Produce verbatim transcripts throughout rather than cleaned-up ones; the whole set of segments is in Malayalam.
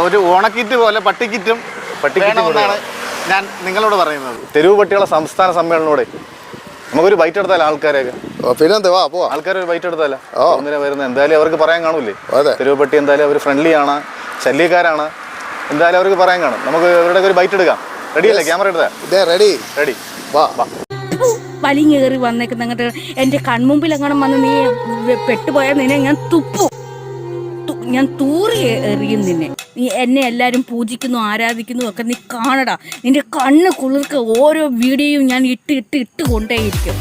ഒരു ഓണക്കിറ്റ് പോലെ പട്ടിക്കിറ്റും പട്ടിക്കിറ്റുമെന്നാണ് ഞാൻ നിങ്ങളോട് പറയുന്നത്. തെരുവ് പട്ടികളെ സംസ്ഥാന സമ്മേളനോടെ നമുക്കൊരു ബൈറ്റ് എടുത്താലോ ആൾക്കാരെയൊക്കെ? പിന്നെ വാ പോവാ, ആൾക്കാർ ഒരു ബൈറ്റ് എടുത്താലോ? ഒന്നിനെ വരുന്നത് എന്തായാലും അവർക്ക് പറയാൻ കാണൂലേ? തെരുവ് പട്ടി എന്തായാലും അവർ ഫ്രണ്ട്ലി ആണ്, ശല്യക്കാരാണ്, എന്തായാലും അവർക്ക് പറയാൻ കാണും. നമുക്ക് ഇവരുടെ ഒരു ബൈറ്റ് എടുക്കാം. റെഡിയല്ലേ? ക്യാമറ എടുത്താ റെഡി റെഡി വാ വാ. വലിഞ്ഞേറി വന്നേക്കുന്ന അങ്ങോട്ട് എന്റെ കൺമുമ്പിൽ എങ്ങനെ വന്ന് നീ പെട്ടുപോയാൽ നിന്നെ ഞാൻ തുപ്പു, ഞാൻ തൂറി എറിയും നിന്നെ. നീ എന്നെ എല്ലാവരും പൂജിക്കുന്നു ആരാധിക്കുന്നു ഒക്കെ നീ കാണടാ. നിന്റെ കണ്ണ് കുളിർക്ക് ഓരോ വീഡിയോയും ഞാൻ ഇട്ട് ഇട്ട് ഇട്ട് കൊണ്ടേയിരിക്കും.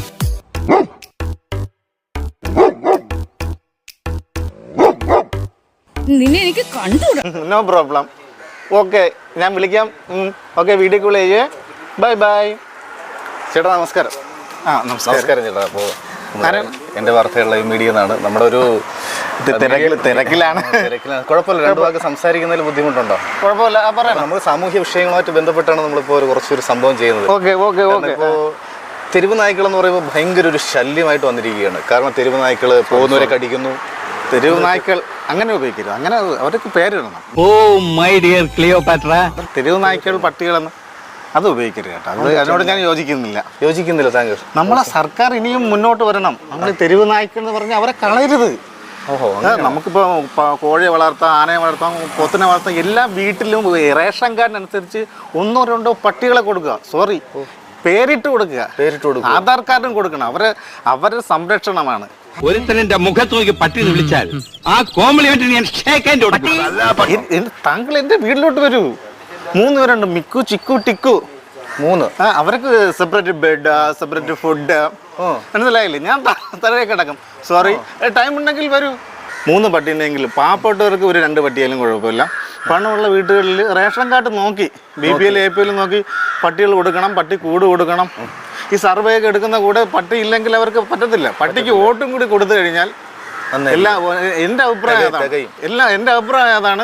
നിന്നെ എനിക്ക് കണ്ടുകൂടാ. No problem. ഓക്കെ, ഞാൻ വിളിക്കാം. ഓക്കെ, വീഡിയോ കോൾ ചെയ്യേ. Bye bye. ചേട്ടാ നമസ്കാരം. ആ നമസ്കാരം ചേട്ടാ. അപ്പോൾ എൻ്റെ വാർത്തയുള്ള ഈ മീഡിയ എന്നാണ്. നമ്മുടെ ഒരു തിരക്കിൽ തിരക്കിലാണ് തിരക്കിലാണ് കുഴപ്പമില്ല. രണ്ടു വാക്ക് സംസാരിക്കുന്നതിൽ ബുദ്ധിമുട്ടുണ്ടോ? കുഴപ്പമില്ല, പറയാം. നമ്മൾ സാമൂഹ്യ വിഷയങ്ങളുമായിട്ട് ബന്ധപ്പെട്ടാണ് നമ്മളിപ്പോൾ ഒരു കുറച്ചൊരു സംഭവം ചെയ്യുന്നത്. Okay okay okay. ഇപ്പോൾ തെരുവ് നായ്ക്കൾ എന്ന് പറയുമ്പോൾ ഭയങ്കര ഒരു ശല്യമായിട്ട് വന്നിരിക്കുകയാണ്. കാരണം തെരുവ് നായ്ക്കൾ പോകുന്നവരെ കടിക്കുന്നു. തെരുവ് നായ്ക്കൾ അങ്ങനെ ഉപയോഗിക്കരുത്, അങ്ങനെ അവർക്ക് പേരിടണം. Oh my dear Cleopatra. തെരുവ് നായ്ക്കൾ പട്ടികളെന്ന് അത് ഉപയോഗിക്കരുത് കേട്ടോ. അത് അതിനോട് ഞാൻ യോജിക്കുന്നില്ല. യോജിക്കുന്നില്ല താങ്കൾ? നമ്മളെ സർക്കാർ ഇനിയും മുന്നോട്ട് വരണം. നമ്മൾ തെരുവ് നായ്ക്കൾ എന്ന് പറഞ്ഞാൽ അവരെ കളയരുത്. ഓഹോ, നമുക്കിപ്പോൾ കോഴിയെ വളർത്താം, ആനയെ വളർത്താം, പോത്തിനെ വളർത്താം. എല്ലാ വീട്ടിലും റേഷൻ കാർഡിനനുസരിച്ച് ഒന്നോ രണ്ടോ പട്ടികളെ കൊടുക്കുക. സോറി, പേരിട്ട് കൊടുക്കുക. പേരിട്ട് കൊടുക്കുക. ആധാർ കാർഡും കൊടുക്കണം. അവരെ അവരുടെ സംരക്ഷണമാണ്. ഒരുത്തനെന്റെ മുഖത്ത് നോക്കി പട്ടി എന്ന് വിളിച്ചാൽ ആ കോംപ്ലിമെന്റ് ഞാൻ ഷേക്ക് ഹാൻഡ് കൊടുക്കും. താങ്കൾ എന്റെ വീട്ടിലോട്ട് വരൂ. മൂന്ന് പേരുണ്ട്, മിക്കു, ചിക്കു, ടിക്കു. മൂന്ന്. ആ അവർക്ക് സെപ്പറേറ്റ് ബെഡ്, സെപ്പറേറ്റ് ഫുഡ്. മനസ്സിലായില്ലേ? ഞാൻ തലയെ കിടക്കും. സോറി, ടൈം ഉണ്ടെങ്കിൽ വരൂ. മൂന്ന് പട്ടീനെങ്കിലും പാവപ്പെട്ടവർക്ക് ഒരു രണ്ട് പട്ടിയാലും കുഴപ്പമില്ല. പണമുള്ള വീട്ടുകളിൽ റേഷൻ കാർഡ് നോക്കി B P L A P L നോക്കി പട്ടികൾ കൊടുക്കണം, പട്ടി കൂട് കൊടുക്കണം. ഈ സർവേ ഒക്കെ എടുക്കുന്ന കൂടെ പട്ടി ഇല്ലെങ്കിൽ അവർക്ക് പറ്റത്തില്ല. പട്ടിക്ക് വോട്ടും കൂടി കൊടുത്തു കഴിഞ്ഞാൽ എല്ലാ എൻ്റെ അഭിപ്രായം അതാണ്. എല്ലാ എൻ്റെ അഭിപ്രായം അതാണ്.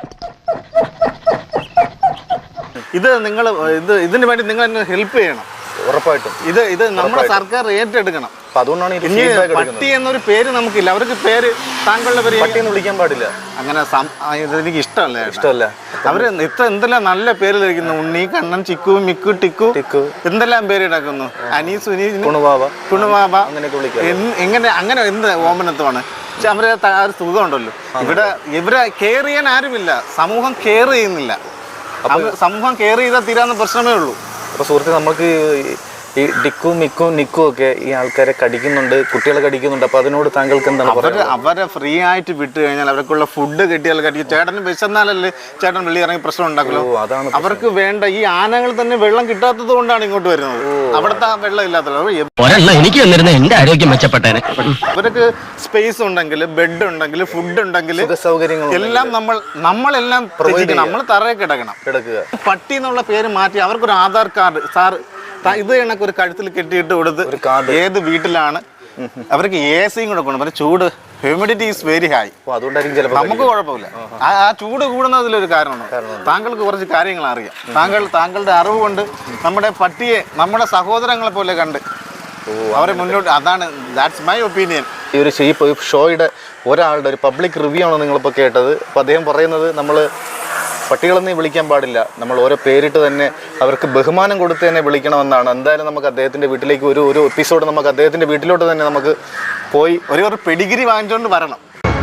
ഇത് നിങ്ങൾ ഇത് ഇതിനു വേണ്ടി നിങ്ങൾ എന്നെ ഹെൽപ്പ് ചെയ്യണം. ഉറപ്പായിട്ടും ഇത് ഇത് നമ്മുടെ സർക്കാർ ഏറ്റെടുക്കണം. അതുകൊണ്ടാണ് പട്ടി എന്നൊരു പേര് നമുക്കില്ല. അവർക്ക് പേര് താങ്കളുടെ പേര് പട്ടി എന്ന് വിളിക്കാൻ പാടില്ല. അങ്ങനെ എനിക്ക് ഇഷ്ടമല്ല ഇഷ്ടമല്ല അവര് ഇത്ര എന്തെല്ലാം നല്ല പേര് ധരിക്കുന്നു. ഉണ്ണി, കണ്ണൻ, ചിക്കു, മിക്കു, ടിക്കു, ടിക്കു എന്തെല്ലാം പേര് ഇടക്കുന്നു. അനി, സുനി, കുണുവാവ, കുണുവാവ അങ്ങനെയൊക്കെ വിളിക്കാം. എങ്ങനെ അങ്ങനെ എന്ത് ഓമനത്വമാണ്. പക്ഷെ അവരെ ഒരു സുഖമുണ്ടല്ലോ. ഇവിടെ ഇവരെ കെയർ ചെയ്യാൻ ആരുമില്ല. സമൂഹം കെയർ ചെയ്യുന്നില്ല. സമൂഹം കെയർ ചെയ്താൽ തീരാവുന്ന പ്രശ്നമേ ഉള്ളൂ. അപ്പോൾ സുഹൃത്തെ, നമുക്ക് ഈ ഡിക്കും മിക്കും നിക്കും ഒക്കെ ഈ ആൾക്കാരെ കടിക്കുന്നുണ്ട്, കുട്ടികളെ കടിക്കുന്നുണ്ട്. അപ്പോൾ അതിനോട് താങ്കൾക്ക് എന്താണ് പറയുക? അവരെ ഫ്രീ ആയിട്ട് വിട്ട് കഴിഞ്ഞാൽ അവർക്കുള്ള ഫുഡ് കിട്ടിയാൽ കടിക്കും. ചേട്ടന് വിശന്നാലല്ലേ ചേട്ടൻ വെള്ളി ഇറങ്ങി പ്രശ്നം ഉണ്ടാക്കുമല്ലോ. അതാണ് അവർക്ക് വേണ്ട. ഈ ആനകൾ തന്നെ വെള്ളം കിട്ടാത്തത് കൊണ്ടാണ് ഇങ്ങോട്ട് വരുന്നത്. അവിടുത്തെ വെള്ളം ഇല്ലാത്തത്. എനിക്ക് എന്റെ ആരോഗ്യം മെച്ചപ്പെട്ടേനെ. അവർക്ക് സ്പേസ് ഉണ്ടെങ്കിൽ, ബെഡ് ഉണ്ടെങ്കിൽ, ഫുഡ് ഉണ്ടെങ്കിൽ, സൗകര്യങ്ങൾ എല്ലാം നമ്മൾ നമ്മളെല്ലാം നമ്മൾ തറയെ കിടക്കണം. കിടക്കുക. പട്ടി എന്നുള്ള പേര് മാറ്റി അവർക്കൊരു ആധാർ കാർഡ് സാർ ഇത് കണക്ക് ഒരു കഴുത്തിൽ കെട്ടിയിട്ട് കൊടുത്ത് ഏത് വീട്ടിലാണ് അവർക്ക് എ സിയും കൂടെ കൊണ്ട്. പിന്നെ ചൂട്, ഹ്യൂമിഡിറ്റി ഈസ് വെരി ഹൈ. അതുകൊണ്ടായിരിക്കും ചിലപ്പോൾ നമുക്ക് കുഴപ്പമില്ല. ആ ചൂട് കൂടുന്നതിലൊരു കാരണമാണ്. താങ്കൾക്ക് കുറച്ച് കാര്യങ്ങൾ അറിയാം. താങ്കൾ താങ്കളുടെ അറിവ് കൊണ്ട് നമ്മുടെ പട്ടിയെ നമ്മുടെ സഹോദരങ്ങളെ പോലെ കണ്ട് അവരെ മുന്നോട്ട്. അതാണ് ദാറ്റ്സ് മൈ ഒപ്പീനിയൻ. ഈ ഒരു ഷോയുടെ ഒരാളുടെ ഒരു പബ്ലിക് റിവ്യൂ ആണ് നിങ്ങളിപ്പോൾ കേട്ടത്. അപ്പോൾ അദ്ദേഹം പറയുന്നത് നമ്മൾ പട്ടികളെന്ന് വിളിക്കാൻ പാടില്ല, നമ്മൾ ഓരോ പേരിട്ട് തന്നെ അവർക്ക് ബഹുമാനം കൊടുത്ത് തന്നെ വിളിക്കണമെന്നാണ്. എന്തായാലും നമുക്ക് അദ്ദേഹത്തിൻ്റെ വീട്ടിലേക്ക് ഒരു ഒരു എപ്പിസോഡ് നമുക്ക് അദ്ദേഹത്തിൻ്റെ വീട്ടിലോട്ട് തന്നെ നമുക്ക് പോയി ഒരു ഒരു പെഡിഗിരി വാങ്ങിച്ചുകൊണ്ട് വരണം.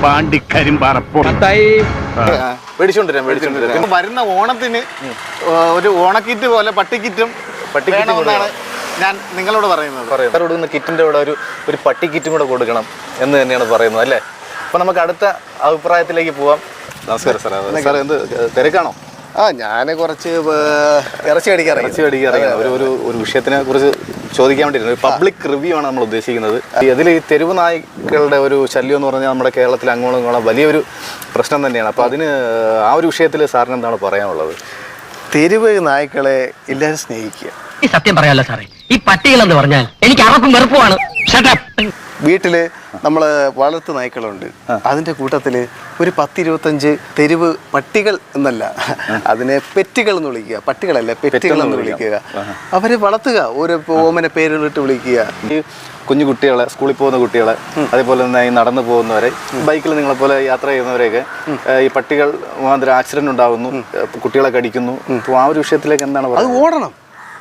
മേടിച്ചോണ്ടിരാം മേടിച്ചോണ്ടിരാം വരുന്ന ഓണത്തിന് ഒരു ഓണക്കിറ്റ് പോലെ പട്ടിക്കിറ്റും പട്ടിക്കിറ്റും ഞാൻ നിങ്ങളോട് പറയുന്നത്. പറയുന്നത് കൊടുക്കുന്ന കിറ്റിൻ്റെ കൂടെ ഒരു ഒരു പട്ടി കിറ്റും കൂടെ കൊടുക്കണം എന്ന് തന്നെയാണ് പറയുന്നത് അല്ലേ? അപ്പോൾ നമുക്ക് അടുത്ത അഭിപ്രായത്തിലേക്ക് പോവാം. നമസ്കാരം സാർ. സാർ എന്ത് തിരക്കാണോ? ആ ഞാൻ കുറച്ച് ഇറച്ചി അടിക്കാറ് ഇറച്ചി അടിക്കാറ് ഒരു ഒരു ഒരു വിഷയത്തിനെ കുറിച്ച് ചോദിക്കാൻ വേണ്ടിയിരുന്നു. ഒരു പബ്ലിക് റിവ്യൂ ആണ് നമ്മൾ ഉദ്ദേശിക്കുന്നത്. അതിൽ ഈ തെരുവ് നായ്ക്കളുടെ ഒരു ശല്യം എന്ന് പറഞ്ഞാൽ നമ്മുടെ കേരളത്തിൽ അങ്ങോളം ഇങ്ങോളം വലിയൊരു പ്രശ്നം തന്നെയാണ്. അപ്പോൾ അതിന് ആ ഒരു വിഷയത്തിൽ സാറിന് എന്താണ് പറയാനുള്ളത്? തെരുവ് നായ്ക്കളെ എല്ലാവരും സ്നേഹിക്കുക. ഈ സത്യം പറയാലോ സാറേ, ഈ പട്ടികളെന്ന് പറഞ്ഞാൽ എനിക്ക് അറപ്പും വെറുപ്പുമാണ്. വീട്ടിൽ നമ്മൾ വളർത്തു നായ്ക്കളുണ്ട്. അതിൻ്റെ കൂട്ടത്തിൽ ഒരു പത്തിരുപത്തഞ്ച് തെരുവ് പട്ടികൾ എന്നല്ല, അതിനെ പെറ്റുകൾ എന്ന് വിളിക്കുക. പട്ടികളല്ല, പെറ്റുകൾ എന്ന് വിളിക്കുക. അവരെ വളർത്തുക, ഓരോ ഓമന പേരുകളിട്ട് വിളിക്കുക. ഈ കുഞ്ഞു കുട്ടികളെ, സ്കൂളിൽ പോകുന്ന കുട്ടികളെ, അതേപോലെ തന്നെ ഈ നടന്നു പോകുന്നവരെ, ബൈക്കിൽ നിങ്ങളെ പോലെ യാത്ര ചെയ്യുന്നവരെയൊക്കെ ഈ പട്ടികൾ മാതിരി ആക്സിഡന്റ് ഉണ്ടാകുന്നു, കുട്ടികളെ കടിക്കുന്നു. അപ്പോൾ ആ ഒരു വിഷയത്തിലേക്ക് എന്താണ് അത് പറയുന്നത്? ഓടണം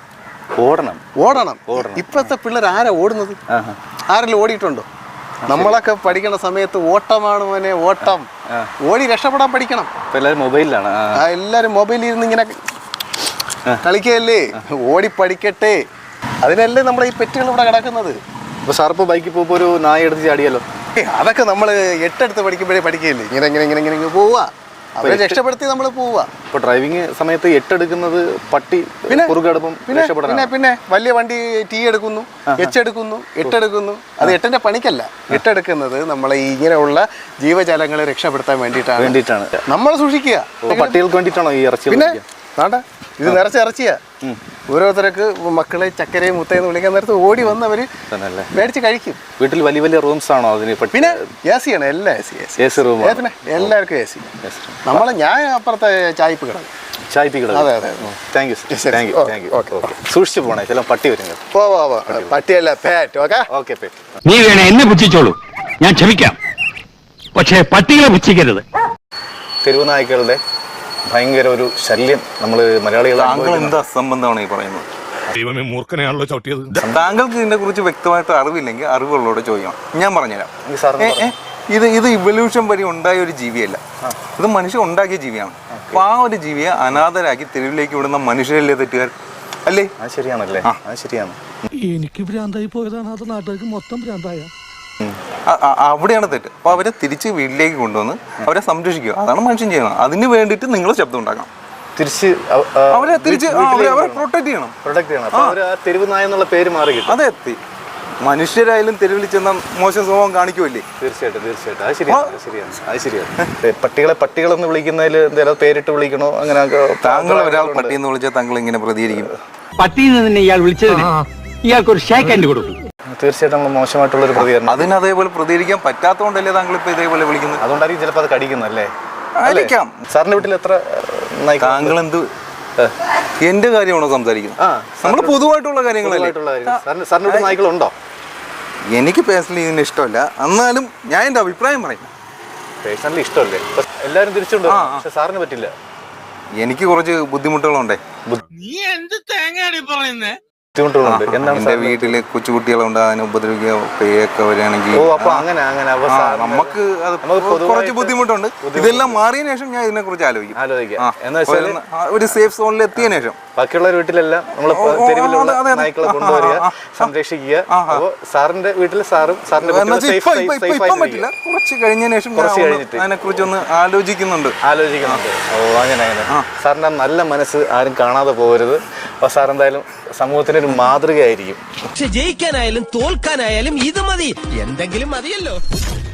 ഓടണം ഓടണം ഇപ്പോഴത്തെ പിള്ളേർ ആരാ ഓടുന്നത്? ആരെങ്കിലും ഓടിയിട്ടുണ്ടോ? നമ്മളൊക്കെ പഠിക്കുന്ന സമയത്ത് ഓട്ടമാണ് മോനെ, ഓട്ടം. ഓടി രക്ഷപ്പെടാൻ പഠിക്കണം. ഇപ്പൊ എല്ലാവരും മൊബൈലിലാണ്. ആ എല്ലാവരും മൊബൈലിൽ ഇരുന്ന് ഇങ്ങനെ കളിക്കല്ലേ. ഓടി പഠിക്കട്ടെ. അതിനല്ലേ നമ്മുടെ ഈ പെറ്റുകൾ ഇവിടെ കിടക്കുന്നത്. ഇപ്പൊ സാറിപ്പോ ബൈക്കിൽ പോകുമ്പോൾ ഒരു നായ എടുത്ത് ചാടിയല്ലോ. അതൊക്കെ നമ്മൾ എട്ടെടുത്ത് പഠിക്കുമ്പോഴേ പഠിക്കുകയല്ലേ. ഇങ്ങനെ ഇങ്ങനെ ഇങ്ങനെ ഇങ്ങനെ ഇങ്ങനെ പോവുക, അവരെ രക്ഷപ്പെടുത്തി നമ്മൾ പോവുക. ഇപ്പൊ ഡ്രൈവിംഗ് സമയത്ത് എട്ടെടുക്കുന്നത് പട്ടി പിന്നെ കുറുകടുപ്പം പിന്നെ പിന്നെ പിന്നെ വലിയ വണ്ടി ടീ എടുക്കുന്നു, എച്ച് എടുക്കുന്നു, എട്ടെടുക്കുന്നു. അത് എട്ടിന്റെ പണിക്കല്ല. എട്ടെടുക്കുന്നത് നമ്മളെ ഇങ്ങനെയുള്ള ജീവജാലങ്ങളെ രക്ഷപ്പെടുത്താൻ വേണ്ടിയിട്ടാണ് വേണ്ടിയിട്ടാണ് നമ്മൾ സൂക്ഷിക്കുക. പട്ടികൾക്ക് വേണ്ടിയിട്ടാണോ ഈ ഇറച്ചി? പിന്നെ വേണ്ട, ഇത് നിറച്ച് ഇറച്ചിയാ. ഓരോരുത്തർക്ക് മക്കളെ ചക്കരയും മുത്തയെന്ന് വിളിക്കാൻ നേരത്ത് ഓടി വന്ന് അവര് മേടിച്ച് കഴിക്കും. വീട്ടിൽ വലിയ വലിയ റൂംസ് ആണോ അതിന്? പിന്നെ എ സി ആണ്, എല്ലാം A C. A C room പിന്നെ എല്ലാവർക്കും എ സി. നമ്മളെ ഞാൻ അപ്പുറത്തെ ചായ്പ് കിടക്കും. ചായ്പിക്കണം. അതെ അതെ. Thank you thank you thank you. Okay, സൂക്ഷിച്ചു പോണേ, ചില പട്ടി വരും. പോ പോ പട്ടിയല്ല, പാറ്റ്. Okay okay പേറ്റ്. നീ വേണേ എന്നെ പുച്ഛിച്ചോളൂ, ഞാൻ ക്ഷമിക്കാം. പക്ഷേ പട്ടികളെ പുച്ഛിക്കരുത്. തെരുവ് നായ്ക്കളുടെ ഭയങ്കര ഒരു ശല്യം നമ്മൾ മലയാളികൾ. താങ്കൾ എന്ത് അസംബന്ധമാണ് ഈ പറയുന്നത്? ദൈവമേ, മൂർഖനെയാണല്ലോ ചവിട്ടിയത്. താങ്കൾക്ക് ഇതിനെ കുറിച്ച് വ്യക്തമായിട്ട് അറിവില്ലെങ്കിൽ അറിവുകളോട് ചോദിക്കണം. ഞാൻ പറഞ്ഞുതരാം. സാറിന് ഏ, ഏ, ഇത് ഇത് ഇവല്യൂഷൻ വഴി ഉണ്ടായ ഒരു ജീവിയല്ല, ഇത് മനുഷ്യൻ ഉണ്ടാക്കിയ ജീവിയാണ്. അപ്പൊ ആ ഒരു ജീവിയെ അനാഥരാക്കി തെരുവിലേക്ക് വിടുന്ന മനുഷ്യരല്ലേ തെറ്റുകാർ അല്ലേ? അത് ശരിയാണല്ലേ? അത് ശരിയാണ്. എനിക്ക് ഭ്രാന്തായി പോയതാണ്, അത് നാട്ടുകാർക്ക് മൊത്തം ഭ്രാന്തായ. അവിടെയാണ് തെറ്റ്. അപ്പൊ അവരെ തിരിച്ച് വീട്ടിലേക്ക് കൊണ്ടുവന്ന് അവരെ സംരക്ഷിക്കുക, അതാണ് മനുഷ്യൻ ചെയ്യണം. അതിന് വേണ്ടിയിട്ട് നിങ്ങൾ ശബ്ദം ഉണ്ടാക്കണം. തിരിച്ച് അവരെ തിരിച്ച് അവരെ പ്രൊട്ടക്ട് ചെയ്യണം. പ്രൊട്ടക്ട് ചെയ്യണം. അപ്പൊ അവര് ആ തെരുവ് നായ എന്നുള്ള പേര് മാറി കിട്ടും. അതെ, മനുഷ്യരായാലും തെരുവിൽ ചെന്ന മോശം സ്വഭാവം കാണിക്കുമല്ലേ? തീർച്ചയായിട്ടും തീർച്ചയായിട്ടും അത് ശരിയാണ്. അത് ശരിയാണ് അത് ശരിയാണ്. പട്ടികളെ പട്ടികളെന്ന് വിളിക്കുന്നതിൽ എന്തെങ്കിലും പേരിട്ട് വിളിക്കണോ? അങ്ങനെ താങ്കൾ ഒരാൾ പട്ടി എന്ന് വിളിച്ചാൽ താങ്കൾ ഇങ്ങനെ പ്രതികരിക്കും. പട്ടിയിൽ നിന്ന് ഇയാൾ വിളിച്ചതിന് ഇയാൾക്കൊരു ഷേക്ക് ഹാൻഡ് കൊടുക്കും. തീർച്ചയായിട്ടും നമ്മൾ മോശമായിട്ടുള്ള ഒരു പ്രതികരണം. അതിന് അതേപോലെ പ്രതികരിക്കാൻ പറ്റാത്തതുകൊണ്ടല്ലേ താങ്കൾ ഇപ്പൊ ഇതേപോലെ വിളിക്കുന്നത്? അതുകൊണ്ടായിരിക്കും ചിലപ്പോൾ അത് കടിക്കുന്നല്ലേ? ആയിരിക്കാം. സാറിന്റെ വീട്ടിൽ എത്ര നായ്ക്കൾ? താങ്കൾ എന്ത് എന്റെ കാര്യമാണോ സംസാരിക്കുന്നത്? നമ്മൾ പൊതുവായിട്ടുള്ള കാര്യങ്ങളല്ലേ? സാറിന്റെ വീട്ടിൽ നായ്ക്കളുണ്ടോ? എനിക്ക് പേഴ്സണലി ഇതിന് ഇഷ്ടമല്ല, എന്നാലും ഞാൻ എന്റെ അഭിപ്രായം പറയും. പേഴ്സണലി ഇഷ്ടമല്ലേ? എല്ലാവരും തിരിച്ചുണ്ടോ? പക്ഷെ സാറിന് പറ്റില്ല. എനിക്ക് കുറച്ച് ബുദ്ധിമുട്ടുകളുണ്ടേ. നീ എന്ത് തേങ്ങയാണ് പറയുന്നേ? ബുദ്ധിമുട്ടുകളുണ്ട്. എന്താണ് എന്റെ വീട്ടില് കൊച്ചുകുട്ടികളുണ്ട്, അതിനെ ഉപദ്രവിക്കുക, പേയൊക്കെ വരികയാണെങ്കിൽ ഓ അപ്പൊ അങ്ങനെ അങ്ങനെ നമുക്ക് അത് കുറച്ച് ബുദ്ധിമുട്ടുണ്ട്. ഇതെല്ലാം മാറിയതിനു ശേഷം ഞാൻ ഇതിനെ കുറിച്ച് ആലോചിക്കും ആലോചിക്കാം. എന്ന് വെച്ചാൽ ഒരു സേഫ് സോണിൽ എത്തിയതിനു ശേഷം ബാക്കിയുള്ള വീട്ടിലെല്ലാം നമ്മൾ തെരുവിലുള്ള നായ്ക്കളെ കൊണ്ടുവരിക, സംരക്ഷിക്കുക. അപ്പൊ സാറിന്റെ വീട്ടിൽ സാറും സാറിന്റെ പറ്റില്ല, കുറച്ച് കഴിഞ്ഞതിന് ശേഷം കുറച്ച് കഴിഞ്ഞിട്ട് അതിനെ കുറിച്ച് ഒന്ന് ആലോചിക്കുന്നുണ്ട് ആലോചിക്കുന്നുണ്ട് ഓ അങ്ങനെ അങ്ങനെ. സാറിന്റെ നല്ല മനസ്സ് ആരും കാണാതെ പോകരുത്. അപ്പൊ സാർ എന്തായാലും സമൂഹത്തിന് ഒരു മാതൃകയായിരിക്കും. പക്ഷെ ജയിക്കാനായാലും തോൽക്കാനായാലും ഇത് മതി, എന്തെങ്കിലും മതിയല്ലോ.